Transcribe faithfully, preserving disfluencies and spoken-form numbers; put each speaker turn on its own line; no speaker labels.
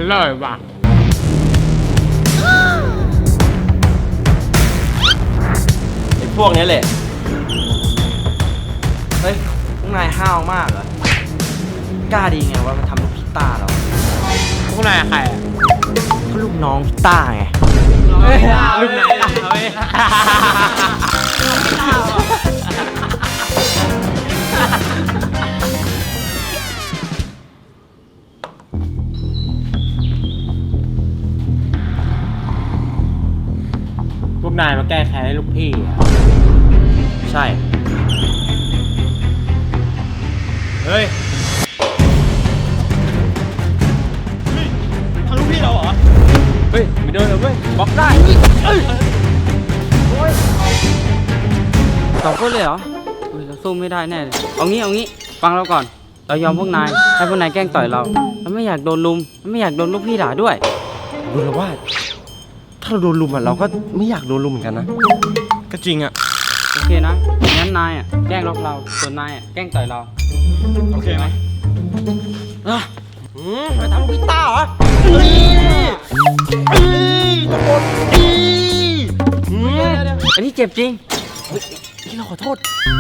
ร่อยว่ะ
ไอ้พวกนี้แหละเฮ้ยพวกนายห้าวมากเหรอกล้าดีไงว่ามันทำลูกพิต้าเรา
พวกนายใครอ่ะ
ก็ลูกน้องพิต้าไง
ลูกไหนเอาเองพวกนายมาแก้แค้นให้ลูกพี่อ่ะ
ใช่
เฮ้ยทำลูกพี่เราเหรอเฮ้ยไม่โดนเลยเว้ยบล็อกได้เอ้ย
สองคนเลยเหรอเฮ้ยเราสู้ไม่ได้แน่เลยเอางี้เอางี้ฟังเราก่อนเรายอมพวกนายให้พวกนายแกล้งต่อยเราเราไม่อยากโดนลุมไม่อยากโดนลูกพี่ด่าด้วย
ดูแล้วว่าถ้าเราโดนลุมอ่ะเราก็ไม่อยากโดนลุมเหมือนกันนะ
ก็จริงอ่ะ
โอเคนะงั้นนายอ่ะแกล้งล็อกเราส่วนนายอ่ะแกล้งต่อยเรา
โอเคไหม
อ่ะอืมไปทำลูกพิต้าเหรอเฮ้ยเฮ้ยตะโกนอี
อันนี้เจ็บจริง
เฮ้ยเราขอโทษ